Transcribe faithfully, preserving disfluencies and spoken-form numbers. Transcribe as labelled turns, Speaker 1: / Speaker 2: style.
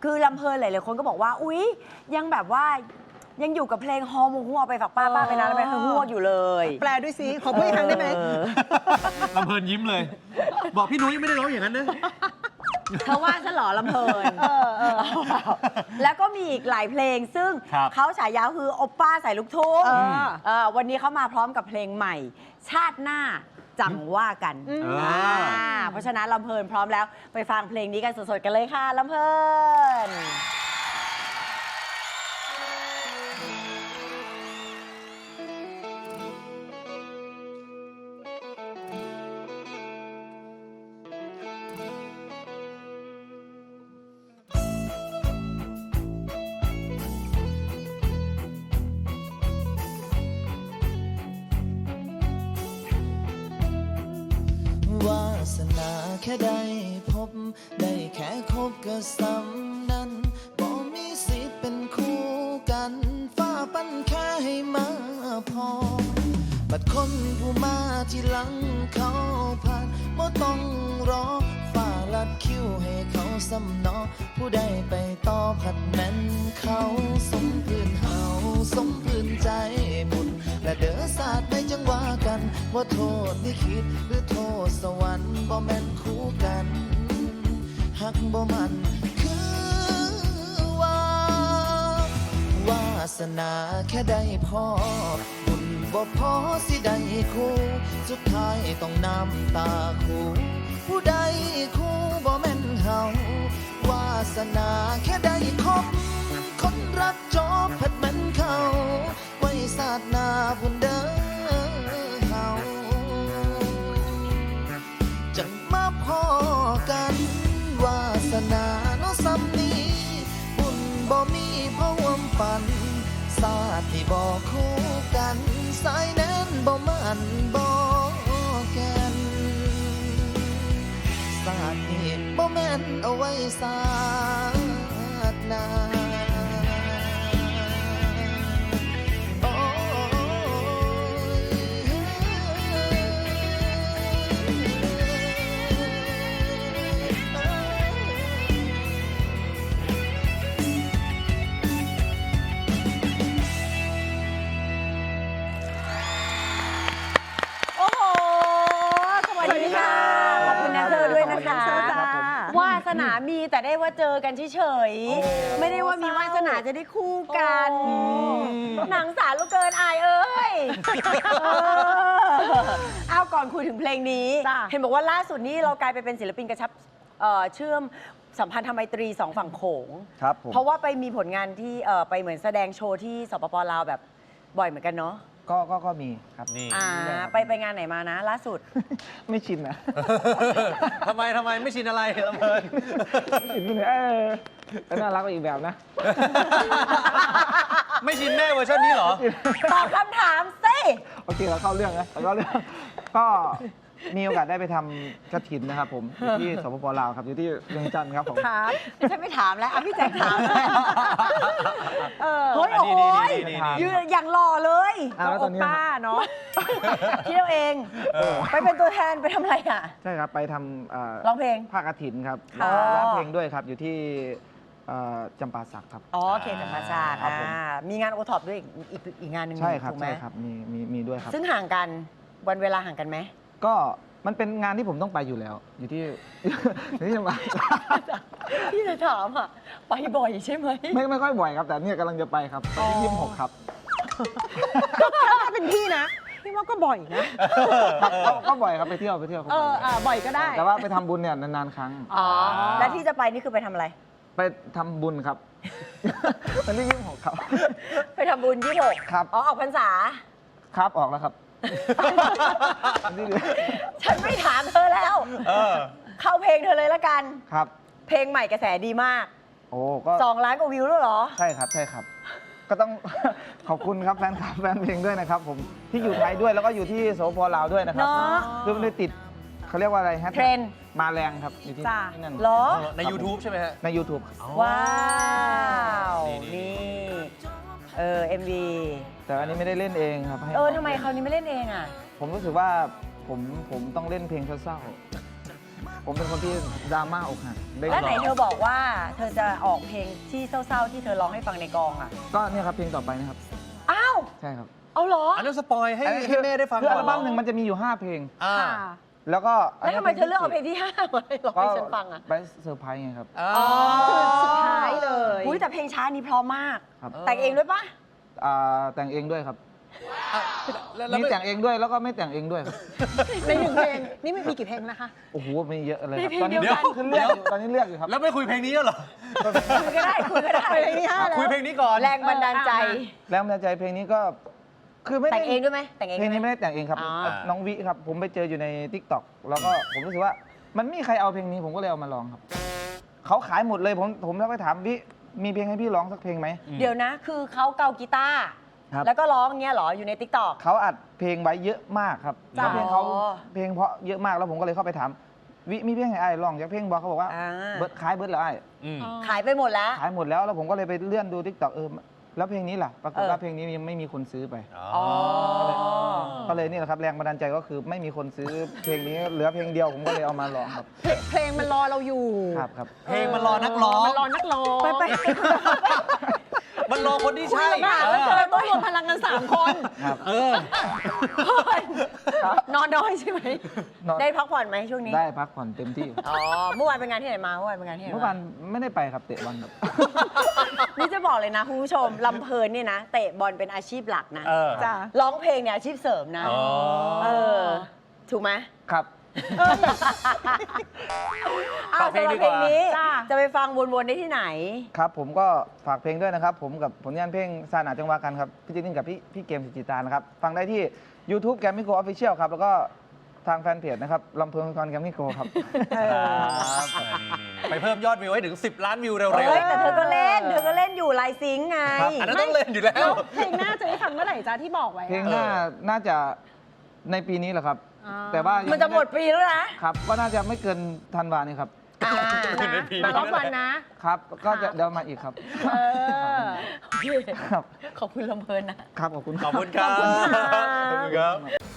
Speaker 1: คือลำเพลินหลายๆคนก็บอกว่าอุ๊ยยังแบบว่ายังอยู่กับเพลงฮอมูฮัวไปฝากป้าป้าไปนานแล้วไปฮัวอยู่เลย
Speaker 2: แปลด้วยสิขอพูดอีกครั้งได้ไหม
Speaker 3: ลำเพลินยิ้มเลย บอกพี่นุ้ยไม่ได้ร้องอย่างนั้นนะ
Speaker 1: เธอว่าฉันหรอลำเพลินแล้วก็มีอีกหลายเพลงซึ่งเขาฉายาคือโอป้าใส่ลูกทุ่งวันนี้เขามาพร้อมกับเพลงใหม่ ชาติหน้าจังว่ากันเพราะฉะนั้นลำเพลินพร้อมแล้วไปฟังเพลงนี้กันสดๆกันเลยค่ะลำเพลิน
Speaker 4: วาสนาแค่ได้พบได้แค่คบก็สำนั้นบ่มีสิทธิ์เป็นคู่กันฟ้าปั้นแค่ให้มาพอบัดคนผู้มาที่หลังเขาผ่านบ่ต้องรอฟ้าลัดคิวให้เขาสำนอผู้ใดไปต่อผัดแม่นเขาสมพื้นเฮาสมพื้นใจบุญและเด้อศาสตร์ไม่จังว่ากันว่าโทษนี่คิดหรือโทษสวรรค์บ่แม่นคู่กันหักบ่มันคือว่าวาสนาแค่ได้พอบุญบ่พอสิได้คู่สุดท้ายต้องน้ำตาคู่ผู้ใดคู่บ่แม่นเฮาวาสนาแค่ได้คบคนรักจบผัดแม่นเขาไว้ศาสตร์หน้าบุญเด้อเฮาจังมาพอกันวาสนาเนาะซ้ำนี้บุญบ่มีพะวมปันศาสตร์ที่บ่คู่กันสายแน่นบ่มันบ่แกนศาสตร์นี้บ่แม่นเอาไว้ศาสตร์หน้า
Speaker 1: วาสนามีแต่ได้ว่าเจอกันเฉยๆไม่ได้ว่ามีวาสนาจะได้คู่กันหนังสารลูกเกินอายเอ้ยเอาก่อนคุยถึงเพลงนี้เห็นบอกว่าล่าสุดนี้เรากลายไปเป็นศิลปินกระชับเชื่อมสัมพันธไมตรีสองฝั่งโขงเพราะว่าไปมีผลงานที่ไปเหมือนแสดงโชว์ที่สปป.ลาวแบบบ่อยเหมือนกันเนาะ
Speaker 5: ก็ก็ก็มีครับ
Speaker 3: นี่
Speaker 1: ไปไปงานไหนมานะล่าสุด
Speaker 5: ไม่ชินนะ
Speaker 3: ทำไมทำไมไม่ชินอะไรลำเพลิน
Speaker 5: ชินเนี่ยเออน่ารักอีกแบบนะ
Speaker 3: ไม่ชินแม่เวอร์ชันนี้เหรอ
Speaker 1: ตอบคำถามสิ
Speaker 5: โอเคเราเข้าเรื่องนะเราเข้าเรื่องก็มีโอกาสได้ไปทำกฐินนะครับผมอยู่ที่สปป.ลาวครับอยู่ที่เวียงจันทร์ครับผม
Speaker 1: ครับฉันไม่ถามแล้วอ่ะพี่แจ็คถามเฮ้ยโอ้ยยืนอย่างหล่อเลย
Speaker 5: โอ
Speaker 1: ป้าเนาะเที่ยวเองไปเป็นตัวแทนไปทำอะไรอ่ะ
Speaker 5: ใช่ครับไปทำ
Speaker 1: ร้องเพลง
Speaker 5: ภาคกฐินครับร้องเพลงด้วยครับอยู่ที่จำปาสักครับ
Speaker 1: อ๋อเขตจำปาสักมีงานโอท็อปด้วยอีกอีกงานหนึ่ง
Speaker 5: ใช่ครับใช่ครับมีมีมีด้วยครับ
Speaker 1: ซึ่งห่างกันวันเวลาห่างกันไหม
Speaker 5: ก็มันเป็นงานที่ผมต้องไปอยู่แล้วอยู่ที่ที่จังหวัด
Speaker 1: พี่จะถามอ่ะไปบ่อยใช่ไหม
Speaker 5: ไม่ไม่ค่อยบ่อยครับแต่เนี่ยกำลังจะไปครับที่ยี่สิบหกครับ
Speaker 2: ถ้าเป็นพี่นะพี่ว่าก็บ่อยนะ
Speaker 5: ก็บ่อยครับไปเที่ยวไปเที่ยว
Speaker 2: เออบ่อยก็ได้
Speaker 5: แต่ว่าไปทำบุญเนี่ยนานๆครั้ง
Speaker 1: อ๋อแล้วที่จะไปนี่คือไปทำอะไร
Speaker 5: ไปทำบุญครับวันที่ยี่สิบหกครับ
Speaker 1: ไปทำบุญยี่สิบหก
Speaker 5: ครับ
Speaker 1: อ๋อออกพรรษา
Speaker 5: ครับออกแล้วครับ
Speaker 1: ฉันไม่ถามเธอแล้วเข้าเพลงเธอเลยละกัน
Speaker 5: ครับ
Speaker 1: เพลงใหม่กระแสดีมาก
Speaker 5: โอ้ก็
Speaker 1: สองล้านกว่าวิวแล้วเหรอ
Speaker 5: ใช่ครับใช่ครับก็ต้องขอบคุณครับแฟนคลับแฟนเพลงด้วยนะครับผมที่อยู่ไทยด้วยแล้วก็อยู่ที่สปป.ลาวด้วยนะครับเรื่องได้ติดเขาเรียกว่าอะไรฮะ
Speaker 1: เทรน
Speaker 5: มาแรงครับอยู่ที่นั่น
Speaker 1: เหรอ
Speaker 3: ใน ยูทูบ ใช่ไหมฮะ
Speaker 5: ใน ยูทูบ
Speaker 1: ว้าวนี่เออ เอ็ม วี
Speaker 5: แต่อันนี้ไม่ได้เล่นเองครับ
Speaker 1: เออทำไมคราวนี้ไม่เล่นเองอ่ะ
Speaker 5: ผมรู้สึกว่าผมผมต้องเล่นเพลงเศร้าผมเป็นคนที่ดราม่าอกหักได้
Speaker 1: แล้วไหน
Speaker 5: ร้อง
Speaker 1: เธอบอกว่าเธอจะออกเพลงที่เศร้าๆที่เธอร้องให้ฟังในกองอ่ะ
Speaker 5: ก็เนี่ยครับเพลงต่อไปนะครับ
Speaker 1: อ้าว
Speaker 5: ใช่ครับ
Speaker 1: เอาเหรอ
Speaker 3: อันนั้นสปอยให้
Speaker 5: อันนี้
Speaker 3: ให้แม่ได้ฟัง
Speaker 5: คือ
Speaker 3: ก่
Speaker 5: อั
Speaker 3: อน
Speaker 5: ลบั้มหนึ่งมันจะมีอยู่ห้าเพลง
Speaker 3: อ่า
Speaker 2: ค่ะ
Speaker 5: แล้วก็
Speaker 1: แล้วทำไมเธอเลือกเอาเพลงที่ห้ามาให้ร้องให้ฉันฟังอ่ะ
Speaker 5: ไปเซอร์ไพรส์ไงครับ
Speaker 3: อ๋อ
Speaker 2: สุดท้ายเลย
Speaker 1: อุ้ยแต่เพลงช้านี้เพราะมาก
Speaker 5: ครับ
Speaker 1: แต่งเองด้วยปะ
Speaker 5: อ่าแต่งเองด้วยครับ
Speaker 3: แล้วแล้ว
Speaker 5: มี
Speaker 3: ไม่
Speaker 5: แต่งเองด้วยแล้วก็ไม่แต่งเองด้วยครับ
Speaker 2: ในหนึ่งเพลง นี่ไม่มีกี่เพลงนะคะ
Speaker 5: โอ้โหมีเยอะเลยครับ
Speaker 1: ในเพลง
Speaker 5: ตอนนี้
Speaker 1: เดียวกัน
Speaker 5: ขึ้นเลือกอยู่ตอนนี้เลือกอยู่ครับ
Speaker 3: แล้วไม่คุยเพลงนี้แล้วเหรอ
Speaker 1: คุยก็ได้คุยก็ได้
Speaker 2: เพลงที่ห้าแล้ว
Speaker 3: คุยเพลงนี้ก่อน
Speaker 1: แรงบันดาลใจ
Speaker 5: แล้วมันใจเพลงนี้ก็คือไม่ได้
Speaker 1: แต่งเองด้วยไหมแต่งเอง
Speaker 5: เพลงนี้
Speaker 1: ด้วยไหม
Speaker 5: ไม่ได้แต่งเองครับ
Speaker 1: อ๋อ
Speaker 5: น้องวิครับ ผมไปเจออยู่ใน ทิกตอก แล้วก็ผมรู้สึกว่ามันไม่มีใครเอาเพลงนี้ผมก็เลยเอามาร้องครับเขาขายหมดเลยผมผมแล้วไปถามวิมีเพลงให้พี่ร้องสักเพลงไหม
Speaker 1: เดี๋ยวนะ คือเขาเกากีตาร์
Speaker 5: ครับ
Speaker 1: แล้วก็ร้องเงี้ยเหรอ อยู่ในติ๊กต็อก
Speaker 5: เขาอัดเพลงไว้เยอะมากครับ
Speaker 1: จ้ะ
Speaker 5: แล้วเพลงเขา
Speaker 1: อ๋อ
Speaker 5: เพลงเพราะเยอะมากแล้วผมก็เลยเข้าไปถามวิมีเพลงให้ไอ้ายร้องจากเพลงบอกเขาบอกว่า
Speaker 1: อ่า
Speaker 5: เบิร์ดขายเบิร์ดแล้วไอ้าย
Speaker 3: อืม
Speaker 1: ขายไปหมดแล้ว
Speaker 5: ขายหมดแล้วแล้วผมก็เลยไปเลื่อนดู ทิกตอก เออแล้วเพลงนี้ล่ะปรากฏ
Speaker 1: เออ
Speaker 5: ว่าเพลงนี้ยังไม่มีคนซื้อไป
Speaker 1: อ๋อ
Speaker 5: ก็เลยนี่แหละครับแรงบันดาลใจก็คือไม่มีคนซื้อเพลงนี้เหลือเพลงเดียวผมก็เลยเอามาร้องครับ
Speaker 2: เพลงเพลงมันรอเราอยู่
Speaker 5: ครับครับ
Speaker 3: เพลงมันรอนักร้อง
Speaker 2: มันรอนักร้อง
Speaker 1: ไปไป
Speaker 3: มันรอคนที่ใช่
Speaker 2: ลำบากเหลือเกินต้องรวมพลังกันสามคน
Speaker 5: ครับ
Speaker 3: เออ
Speaker 1: นอนน้อยใช่ไหม
Speaker 5: นอน
Speaker 1: ได้พักผ่อนไหมช่วงนี้
Speaker 5: ได้พักผ่อนเต็มที่
Speaker 1: อ๋อ เมื่อวานเป็นงานที่ไหนมา เมื่อวานเป็นงานที่ไหน
Speaker 5: เมื่อวานไม่ได้ไปครับเตะบอลครับ
Speaker 1: นี่จะบอกเลยนะคุณผู้ชมลำเพลินเนี่ยนะ เตะบอลเป็นอาชีพหลักนะ
Speaker 3: เออ
Speaker 2: จ้ะ
Speaker 1: ร้องเพลงเนี่ยอาชีพเสริมนะ
Speaker 3: อ๋อ
Speaker 1: เออ ถูกไหม
Speaker 5: ครับ
Speaker 1: อ้าว
Speaker 3: ฝากเพลง
Speaker 1: สำหรับ
Speaker 3: ดี
Speaker 1: เพ
Speaker 3: ก
Speaker 1: ล
Speaker 3: ว่า
Speaker 1: งนี้
Speaker 2: จ้ะ
Speaker 1: จะไปฟังวนๆได้ที่ไหน
Speaker 5: ครับผมก็ฝากเพลงด้วยนะครับ ผมกับผลงานเพลงซาหนาจังหวะกันครับ พี่จินกับพี่พี่เกมสิจิตานะครับ ฟังได้ที่ YouTube แกมมี่โกออฟฟิเชียลครับ แล้วก็ทางแฟนเพจนะครับลำเพลินคอนแกมมี่โกครับ
Speaker 3: ครับไปเพิ่มยอดวิวให้ถึง สิบ ล้านวิวเร็ว
Speaker 1: เฮ้ยแต่เธอก็เล่น เธอก็เล่นอยู่ไลน์ซิงค์ไง
Speaker 5: ครับ
Speaker 3: ๆ อันนั้นต้องเล่นอยู่แล้
Speaker 2: แล้ว วเพลงหน้าจะได้ฟังเมื่อไหร่จ้าที่บอกไว้อะ
Speaker 5: เพลงหน้าน่าจะในปีนี้แหละครับ
Speaker 2: อ่า
Speaker 5: แต่ว่ายัง
Speaker 1: มันจะหมดปีแล้วนะ
Speaker 5: ครับ ก็น่าจะไม่เกินธันวานี้ครับ
Speaker 1: อ่า
Speaker 2: นะมารอบวันนะ
Speaker 5: ครับ ก็จะ
Speaker 2: ครับ
Speaker 5: เดี๋ยวมาอีกครับ
Speaker 2: เออ
Speaker 5: ครับ
Speaker 1: ขอบคุณลำเพลินนะ
Speaker 5: ครับขอบคุณ
Speaker 3: ขอบคุณครับ
Speaker 2: ขอบคุณค่ะ
Speaker 3: ขอบคุณครับ